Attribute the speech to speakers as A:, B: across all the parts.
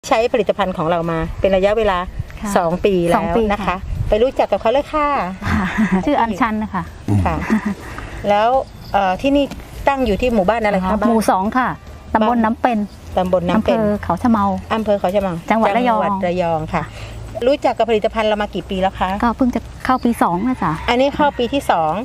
A: ใช้ผลิตภัณฑ์ของเรามาเป็นระยะเวลา2 ปีแล้วนะคะไปรู้จักกับเขาเลยค่ะ
B: ชื่ออัญชันนะคะ
A: ค่ะแล้วที่นี่ตั้งอยู่ที่หมู่บ้านอะไรคะ
B: หมู่2ค่ะตำบลน้ำเป็น
A: อำเภอ
B: เขาชะเมา
A: อำเภอเขาชะเมา
B: จังหวัดระยอง
A: ค่ะรู้จักกับผลิตภัณฑ์เรามากี่ปีแล้วคะ
B: ก็เพิ่งจะเข้าปี2นะจ๊ะ
A: อันนี้เข้าปีที่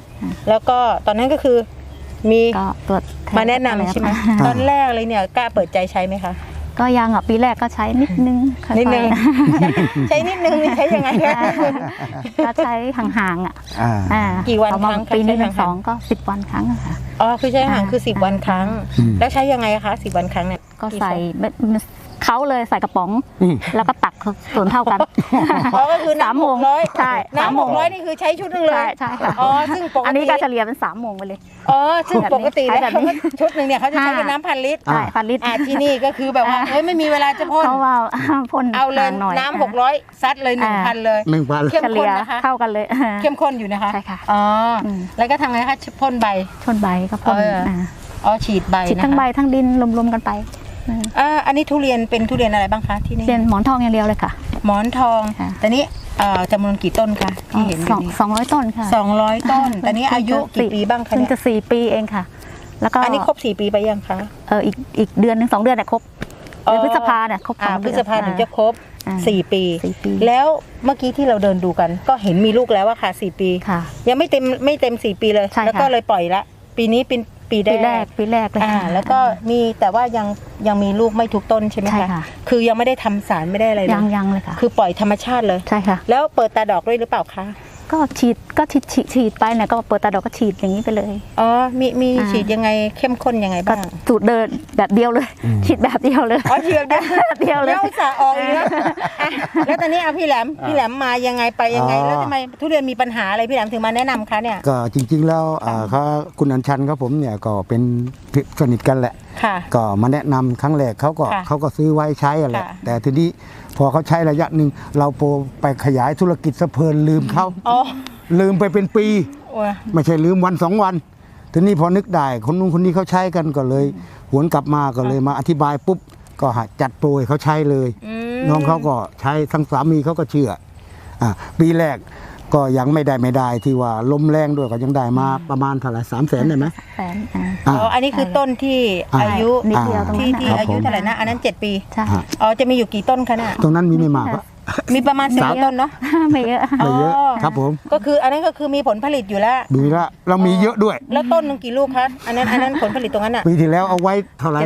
A: 2แล้วก็ตอนนั้นก็คือมีมาแนะนำใช่ไหมตอนแรกเลยเนี่ยกล้าเปิดใจใช้ไหมคะ
B: ก็ยังปีแรกก็ใช้นิดนึง
A: ใช้นิดนึงใช้ยังไงคะ
B: ก็ใช้ห่างๆ
A: กี่วันครั้ง
B: ปีนี้2ก็10 วันครั้งค่ะ
A: อ๋อคือใช้ห่างคือ10 วันครั้งแล้วใช้ยังไงคะ10 วันครั้งเนี่ย
B: ก็ใส่เขาเลยใส่กระป๋องแล้วก็ตักส่วนเท่ากัน
A: ก็คือน้ำ600
B: ใช่
A: น้ำ600นี่คือใช้ชุดนึงเลย
B: ใช่ค่ะ
A: อ๋อซึ่งปกติ
B: อันนี้ก็เฉลี่ยเป็น3 โมงไปเลย
A: อ๋อซึ่งปกติแล้วชุดนึงเนี่ยเขาจะใช้เป็นน้ำ1,000 ลิตร
B: ใช่1,000 ลิตร
A: ที่นี่ก็คือแบบว่าไม่มีเวลาจะพ่น
B: เขาว่าพ่น
A: เอาเลยน้ำ600ซัดเลย 1,000 เลย
B: เข้มข้นนะคะเข้ากันเลย
A: เข้มข้นอยู่นะคะ
B: ใช่ค่ะ
A: อ๋อแล้วก็ทำไงคะพ่นใบ
B: ก็พ่น
A: ฉีดใบ
B: ฉีดทั้งใบทั้งดินรวมๆกันไป
A: อันนี้ทุเรียนเป็นทุเรียนอะไรบ้างคะที่นี่
B: เป็นหมอนทองอย่างเดียวเลยค่ะ
A: หมอนทองแต่นี้จำนวนกี่ต้นคะที่เห็น
B: 200 ต้นค่ะ
A: 200 ต้นแต่นี้อายุกี่ปีบ้างคะ
B: เนี่ยจะ4 ปีเองค่ะแล้วก็
A: อันนี้ครบ4 ปีไปยังคะ
B: อีกเดือนนึง2 เดือนเนี่ยครบเดือนพฤษภาเนี่ยครบ
A: พฤษภาถึงจะครบ4 ปีแล้วเมื่อกี้ที่เราเดินดูกันก็เห็นมีลูกแล้วว่าค่ะ4 ปียังไม่เต็ม4 ปีเลยแล้วก็เลยปล่อยละปีนี้เป็นปีแรก
B: เลย
A: แล้วก็มีแต่ว่ายังมีลูกไม่ทุกต้นใช่ไหมคะคือยังไม่ได้ทำสารไม่ได้อะไรเลย
B: ยังเลยค่ะ
A: คือปล่อยธรรมชาติเลย
B: ใช่ค่ะ
A: แล้วเปิดตาดอกด้วยหรือเปล่าคะ
B: ก็ฉีดไปเนี่ยก็เปิดตาดอกก็ฉีดอย่างนี้ไปเลย
A: อ๋อมีฉีดยังไงเข้มข้นยังไงบ้าง
B: สูตรเดินแบบเดียวเลยฉีดแบบเดียวเลย
A: อ๋อฉีดแบบเดียวเลยแล้วจะออกอีกแล้วตอนนี้พี่แหลมมายังไงไปยังไงแล้วทำไมทุเรียนมีปัญหาอะไรพี่แหลมถึงมาแนะนำคะเนี่ย
C: ก็จริงๆแล้วคุณอัญชันครับผมเนี่ยก็เป็นสนิทกันแหละก็มาแนะนำครั้งแรกเขาก็ซื้อไว้ใช้อะไรแต่ทีนี้พอเขาใช้ระยะหนึ่งเราไปขยายธุรกิจสะเพลินลืมเขาลืมไปเป็นปีไม่ใช่ลืมวัน2 วันทีนี้พอนึกได้คนนู้นคนนี้เขาใช้กันก็เลยหวนกลับมาก็เลยมาอธิบายปุ๊บก็จัดโปรยเขาใช้เลยน้องเขาก็ใช้ทั้งสามีเขาก็เชื่อปีแรกก็ยังไม่ได้ที่ว่าลมแรงด้วยก็ยังได้มาประมาณเท่าไหร่300,000ได้ไหม
A: อันนี้คือต้นที่อายุที่อายุเท่าไหร่นะอันนั้น7 ปีจะมีอยู่กี่ต้นคะเนี่ย
C: ตรงนั้นมีไม่มาก
A: มีประมาณ10 ต้นเนาะ
B: ไม่เยอะ
C: ครับผม
A: ก็คืออันนั้นก็คือมีผลผลิตอยู่แล้ว
C: เรามีเยอะด้วย
A: แล้วต้นนึงกี่ลูกคะอันนั้นผลผลิตตรงนั้นอ่ะ
C: ปีที่แล้วเอาไว้เท่าไหร่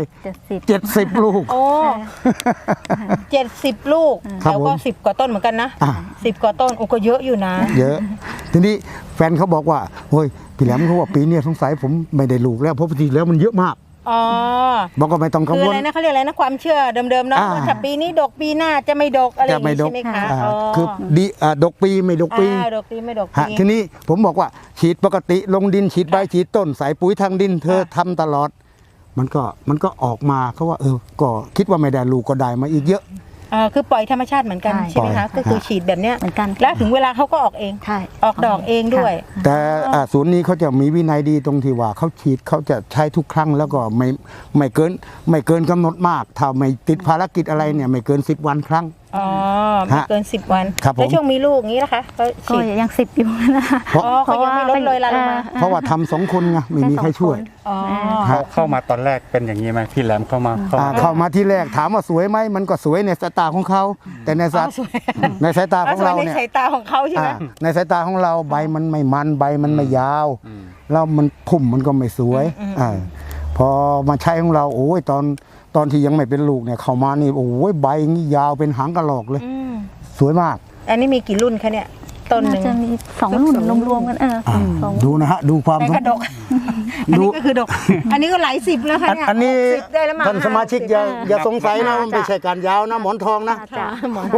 C: 70 ลูก
A: โอ้70 ลูกแล้วก็10 กว่าต้นเหมือนกันนะ10 กว่าต้นก็เยอะอยู่นะ
C: เยอะทีนี้แฟนเขาบอกว่าเฮ้ยพี่แหลมเขาว่าปีนี้สงสัยผมไม่ได้ลูกแล้วเพราะปีที่แล้วมันเยอะมากบอกก็ไม่ต้องกังวล
A: คืออะไรนะเขาเรียกอะไรนะความเชื่อเดิมๆเนาะถ้าปีนี้ดกปีหน้าจะไม่ดกอะไรอย่างนี้ใช่ไหมคะ
C: คือดีดกปีไม่ดกปีทีนี้ผมบอกว่าฉีดปกติลงดินฉีดใบฉีดต้นใส่ปุ๋ยทางดินเธอทำตลอดมันก็ออกมาเขาว่าก็คิดว่าไม่ได้ลูกก็ได้มาอีกเยอะ
A: คือปล่อยธรรมชาติเหมือนกันใช่ไหมคะก็คือฉีดแบบเนี้ยเหมือนกันแล้วถึงเวลาเขาก็ออกเองออกดอกเองด้วย
C: แต่ศูนย์นี้เขาจะมีวินัยดีตรงที่ว่าเขาฉีดเขาจะใช้ทุกครั้งแล้วก็ไม่เกินกำหนดมากถ้าไม่ติดภารกิจอะไรเนี่ยไม่เกิน10 วันครั้ง
A: ไม่เกิน10 วันแล้วช่วงมีลูกงี้นะคะ
B: ก็ยัง10 อยู่นะคะ
A: เพราะยังไม่ลดเลยละลงมา
C: เพราะว่าทำ2 คนไงไม่มีใครช่วย
D: เข้ามาตอนแรกเป็นอย่างนี้ไหมพี่แหลมเข้า
C: มาที่แรกถามว่าสวยไหมมันก็สวยในสายตาของเขาแต่ในสายตาของเราเนี่ย
A: ในสายตาของเขาใช่ไหม
C: ในสายตาของเราใบมันไม่มันใบมันไม่ยาวแล้วมันพุ่มมันก็ไม่สวยพอมาใช้ของเราโอ้ยตอนที่ยังไม่เป็นลูกเนี่ยเข้ามานี่โอ้ยใบนี่ยาวเป็นหางกระรอกเลยสวยมาก
A: อันนี้มีกี่รุ่นคะเนี่ยต้นหนึ่ง
B: จะมี2 รุ่นรวมๆกัน
C: ดูนะฮะดูความ
A: ดกอันนี้ก็คือดกอันนี้ก็หลาย10แล้วค่ะเนี่ย
C: อันนี้ท่านสมาชิกอย่าสงสัยนะมันไม่ใช่การยาวนะหมอนทองนะ
A: หมอน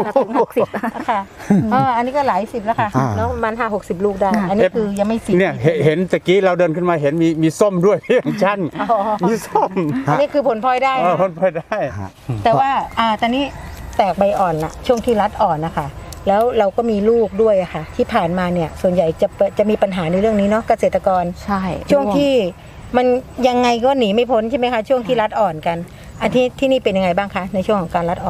A: 60ค่ะอันนี้ก็หลาย10แล้วค่ะแล้วมัน50-60 ลูกได้อันนี้คือยังไม่10
D: เนี่ยเห็นตะกี้เราเดินขึ้นมาเห็นมีส้มด้วยพี่ชั้นมีส้ม
A: อันนี้คือผลพลอยได้
D: ผลพลอยได้
A: แต่ว่าตอนนี้แตกใบอ่อนละช่วงที่รัดอ่อนนะคะแล้วเราก็มีลูกด้วยค่ะที่ผ่านมาเนี่ยส่วนใหญ่จะมีปัญหาในเรื่องนี้เนาะเกษตรกร
B: ใช่
A: ช่วงที่มันยังไงก็หนีไม่พ้นใช่ไหมคะช่วงที่รัดอ่อนกันที่นี่เป็นยังไงบ้างคะในช่วงของการรัดอ่อน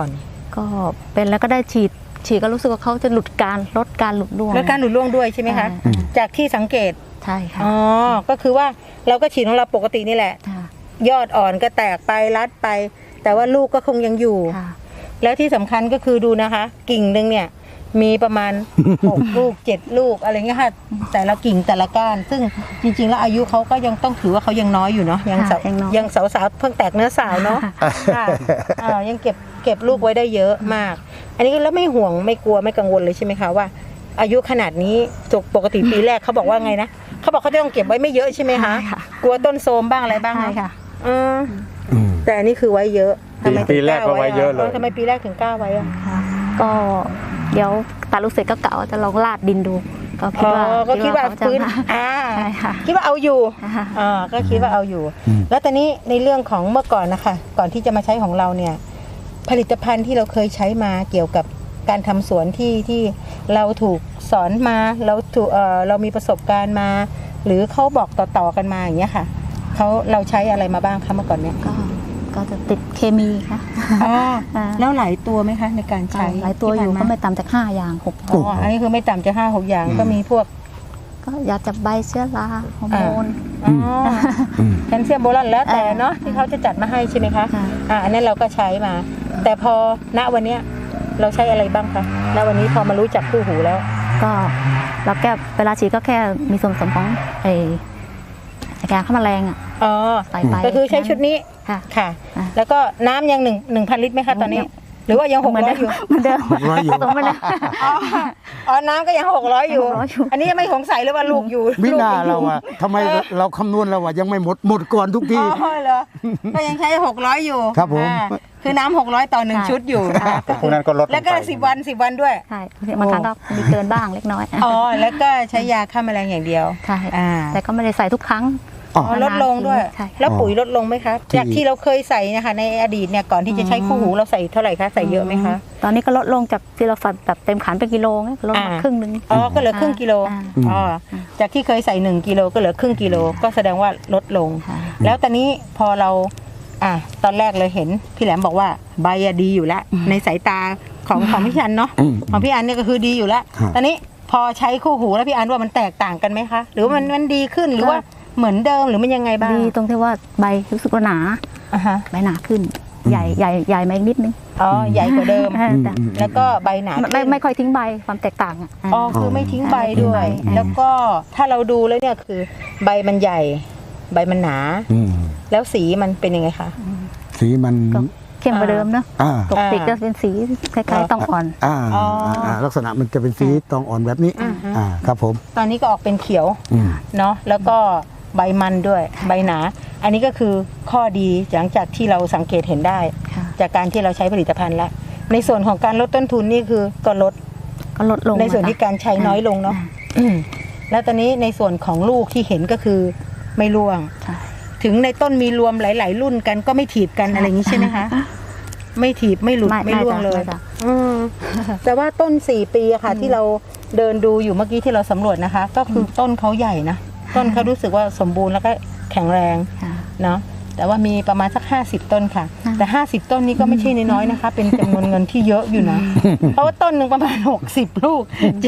B: ก็เป็นแล้วก็ได้ฉีดก็รู้สึกว่าเขาจะลดการหลุดร่วง
A: แล้วการหลุดร่วงด้วยใช่ไหมคะจากที่สังเกต
B: ใช่ค่ะ
A: อ๋อก็คือว่าเราก็ฉีดของเราปกตินี่แหละ
B: ค่ะ
A: ยอดอ่อนก็แตกไปรัดไป แต่ว่าลูกก็คงยังอยู่
B: ค่ะ
A: แล้วที่สำคัญก็คือดูนะคะ กิ่งหนึ่งเนี่ยมีประมาณ 6 ลูก 7 ลูกอะไรเงี้ยค่ะแต่ละกิ่งแต่ละก้านซึ่งจริงๆแล้วอายุเขาก็ยังต้องถือว่าเขายังน้อยอยู่เนาะยังสาว
B: ค่ะยังน้อย
A: ยังสาวๆเพิ่งแตกเนื้อสาวเนาะค่ะยังเก็บลูกไว้ได้เยอะมาก อันนี้แล้วไม่ห่วงไม่กลัวไม่กังวลเลยใช่ไหมคะว่า อายุขนาดนี้ปกติปีแรกเขาบอกว่าไงนะเขาบอกเขาจะต้องเก็บไว้ไม่เยอะใช่ไหมคะ
B: ใช่ค่ะ
A: กลัวต้นโทรมบ้างอะไรบ้าง
B: ใช่ค่ะ
A: แต่อันนี้คือไว้เยอะทำไมถึ
D: ปี
A: ง
D: แรกก็ไว้เยอะเลย
A: ทำไมปีแรกถึงกล้าไว้อะ
B: ก็เดี๋ยวตัดลูกเสร็จก็กะว่าจะลองลาดดินดู ก็คิดว่า
A: ก็คิดว่า
B: เขจะ
A: ฟื้น
B: มาใช่ค่ะ
A: คิดว่าเอาอยู่
B: ค่ะ
A: ก็คิดว่าเอาอยู่ แล้วตอนนี้ในเรื่องของเมื่อก่อนนะคะก่อนที่จะมาใช้ของเราเนี่ยผลิตภัณฑ์ที่เราเคยใช้มาเกี่ยวกับการทำสวนที่เราถูกสอนมาเรามีประสบการณ์มา หรือเขาบอกต่อๆกันมาอย่างเงี้ยค่ะเราใช้อะไรมาบ้างคะเมื่อก่อนเนี่ย
B: ก็จะติดเคมีค่ะ
A: แล้วหลายตัวไหมคะในการใช้
B: หลายตัวอยู่ก็ไม่ต่ำจาก5 อย่าง 6
A: อันนี้คือไม่ต่ำจะ5-6 อย่างก็มีพวก
B: ก็อยากจะใบเชื้อราฮอร์โมน
A: แคลเซียมโบรอนแล้วแต่เนาะที่เขาจะจัดมาให้ใช่ไหมคะ
B: ค่ะ
A: อันนั้นเราก็ใช้มา แต่พอณวันเนี้ยเราใช้อะไรบ้างคะณวันนี้พอมารู้จักคู่หูแล้ว
B: ก็เราแก้เวลาฉีดก็แค่มีส่วนผสมของยาฆ่าแมลงอ่ะ
A: อ๋อ
B: ใส่ไป
A: ก็คือใช้ชุดนี้
B: ค่ะ
A: ค่ะ
B: อ่ะ
A: แล้วก็น้ำยัง1,000 ลิตรไหมคะตอนนี้ หรือว่ายัง600อยู่
B: เหมือนเดิม
C: 600อยู่
B: ผสมเหมือนเดิม
A: อ๋อน้ำก็ยัง600อยู่
B: 600อยู่
A: อันนี้ยังไม่สงสัยเลยว่าลูกอยู่
C: วินา
A: ลูกยังอยู่
C: เราอะทำไมเราคำนวณเราอะยังไม่หมดก่อนทุกที
A: อ๋อเหรอก็ยังใช้600อยู่
C: ครับผม
A: คือน้ำ600ต่อ1ชุดอยู่
D: พวกนั้นก็ลด
A: แล้วก็
D: งไป
A: 10 วันด้วย
B: ใช่บางครั้งก็มีเกินบ้างเล็กน้อย
A: อ๋อ แล้วก็ใช้ยาฆ่าแมลงอย่างเดียว
B: ใช่
A: อ่า
B: แต่ก็ไม่ได้ใส่ทุกครั้ง
C: อ๋อ
A: ลดลงด้วย
B: ใช่
A: แล้วปุ๋ยลดลงไหมคะ
C: ที่
A: จากที่เราเคยใส่นะคะในอดีตเนี่ยก่อนที่จะใช้คู่หูเราใส่เท่าไหร่คะ ใส่เยอะไหมคะ
B: ตอนนี้ก็ลดลงจากที่เราใส่แบบเต็มขันเป็นกิโลไงลดมาครึ่งนึง
A: อ๋อ ก็เหลือครึ่งกิโล
B: อ่า
A: อ๋อ จากที่เคยใส่1กิโลก็เหลือครึ่งกิโล ก็แสดงว่าลดลง
B: ค่ะ
A: แล้วตอนนี้พอเราตอนแรกเลยเห็นพี่แหลมบอกว่าใบอะดีอยู่แล้ว ในสายตาของพี่อันเนาะ ของพี่อันเนี่ยก็คือดีอยู่แล้ว
C: ครับ
A: ตอนนี้พอใช้คู่หูแล้วพี่อันว่ามันแตกต่างกันไหมคะ หรือว่ามันดีขึ้นหรือว่าเหมือนเดิมหรือมันยังไงบ้าง
B: ดีตรงที่ว่าใบรู้สึกว่าหนา
A: อ่าฮะ
B: ใบหนาขึ้น ใหญ่มาอีกนิดนึง
A: อ๋อใหญ่กว่าเดิม
B: แต่
A: แล้วก็ใบหนาขึ้น
B: ไม่ค่อยทิ้งใบความแตกต่างอ่ะ
A: อ๋อคือไม่ทิ้งใบด้วย
B: ไม่ทิ้งใบ
A: แล้วก็ถ้าเราดูแล้วเนี่ยคือใบมันใหญ่ ใบมันหนา
C: อืม
A: แล้วสีมันเป็นยังไงคะ
C: สีมัน
B: ก็เข้มกว่าเดิมเนอะ
C: อ่า
B: ปกติก็เป็นสีคล้ายๆต้องอ่อน
C: ลักษณะมันจะเป็นสีตองอ่อนแบบนี้ ครับผม
A: ตอนนี้ก็ออกเป็นเขียว
C: อืม
A: เนาะแล้วก็ใบมันด้วยใบหนา อันนี้ก็คือข้อดีหลังจากที่เราสังเกตเห็นได้
B: ค่ะ
A: จากการที่เราใช้ผลิตภัณฑ์แล้วในส่วนของการลดต้นทุนนี่คือก็ลด
B: ก็ลดลง
A: ในส่วนที่การใช้น้อยลงเนาะแล้วตอนนี้ในส่วนของลูกที่เห็นก็คือไม่ร่วง
B: ใช่
A: ถึงในต้นมีรวมหลาย ๆ รุ่นกันก็ไม่ถีบกันอะไรอย่างนี้ใช่ไหมคะ ไม่ถีบไม่หลุดไม่ร่วงเลย
B: จ้ะ
A: แต่ว่าต้น4 ปีอะค่ะ ที่เราเดินดูอยู่เมื่อกี้ที่เราสำรวจนะคะ ก็คือต้นเขาใหญ่นะต้นเขารู้สึกว่าสมบูรณ์แล้วก็แข็งแรง
B: ค่ะ
A: เนาะแต่ว่ามีประมาณสัก50 ต้นค่ะ
B: ค่ะ
A: แต่50 ต้นนี้ก็ไม่ใช่น้อยๆนะคะ เป็นจำนวนเงินที่เยอะอยู่นะ เพราะว่าต้นหนึ่งประมาณ60 ลูก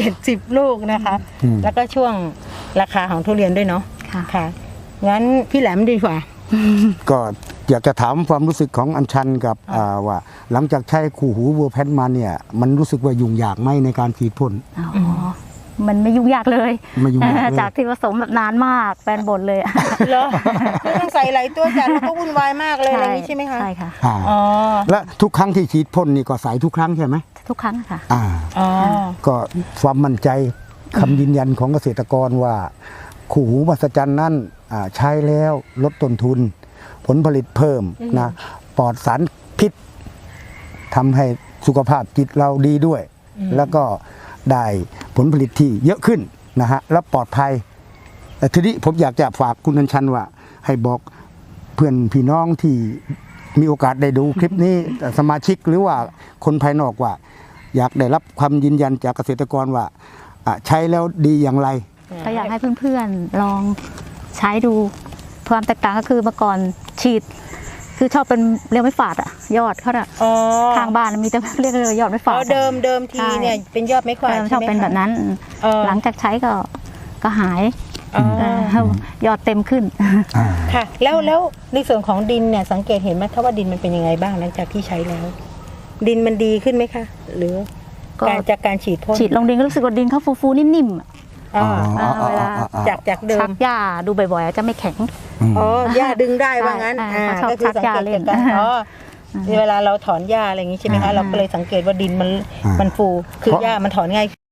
A: 70 ลูกนะคะ แล้วก็ช่วงราคาของทุเรียนด้วยเนาะ
B: ค่ะ
A: ค่ะงั้นพี่แหลมดีกว่า
C: ก็อยากจะถามความรู้สึกของอัญชันกับว่า หลังจากใช้คู่หูวัวแพนมาเนี่ย มันรู้สึกว่ายุ่งยากไหมในการฉีดพ่น
B: อ๋อมันไม่ยุ่งยากเลย
C: ไม่ยุ่งยากเลย
B: จากที่ผสมแบบนานมากแฟนบ่นเลยอะ
A: เหรอไม่ต้องใส่หลายตัวจัดแล้วก็วุ่นวายมากเลยอะไรอย่างนี้ใช่ไหมคะ
B: ใช่ค่ะ
A: อ๋อ
C: และทุกครั้งที่ฉีดพ่นนี่ก็ใส่ทุกครั้งใช่ไหม
B: ทุกครั้งค่ะ
A: อ๋อ
C: ก็ความมั่นใจคำยืนยันของเกษตรกรว่าคู่หูมหัศจรรย์นั้นใช้แล้วลดต้นทุน ผลผลิตเพิ่มนะปลอดสารพิษทำให้สุขภาพจิตเราดีด้วย แล้วก็ได้ผลผลิตที่เยอะขึ้นนะฮะและปลอดภัยแต่ทีนี้ผมอยากจะฝากคุณอัญชันว่า ให้บอกเพื่อนพี่น้องที่มีโอกาสได้ดูคลิปนี้สมาชิกหรือว่าคนภายนอกว่า อยากได้รับความยืนยันจากเกษตรกรว่าใช้แล้วดีอย่างไร
B: ก็อยากให้เพื่อนๆลองใช้ดูความแตกต่างก็คือเมื่อก่อนฉีดคือชอบเป็นเรียกไม่ฝาดอะยอดเขาอะ
A: อ๋อ
B: ข้างบ้านมีแต่เรียกเลยยอดไม่ฝา
A: อ๋
B: ด
A: อ
B: อะ
A: เดิมทีเนี่ย
B: ใช่
A: เป็นยอดไม้ขวาด
B: ชอบเป็นแบบนั้น
A: เออ
B: หลังจากใช้ก็หาย
A: อ๋อ
B: ยอดเต็มขึ้น
A: ค่ะ แล้วในส่วนของดินเนี่ยสังเกตเห็นไหมคะว่าดินมันเป็นยังไงบ้างหลังจากที่ใช้แล้ว ดินมันดีขึ้นไหมคะ หรือ
B: ก็
A: จากการฉีดพ่น
B: ฉีดลงดินก็รู้สึกว่าดินเขาฟูๆนิ่มๆอะ
A: อ๋อ
B: เวลา
A: จากเดิ
B: ชั
A: ม
B: กหญ้าดูบ่อยๆจะไม่แข็ง
A: อ๋อหญ้าดึงได้ว่างั้น
B: ใช่เขาชอบ
A: ก็คือสังเกต
B: ชักหญ้าเล่
A: จาน กการอ๋อเวลาเราถอนหญ้าอะไรอย่างนี้ใช่ไหมคะเราก็เลยสังเกตว่าดินมันฟูคือหญ้ามันถอนง่าย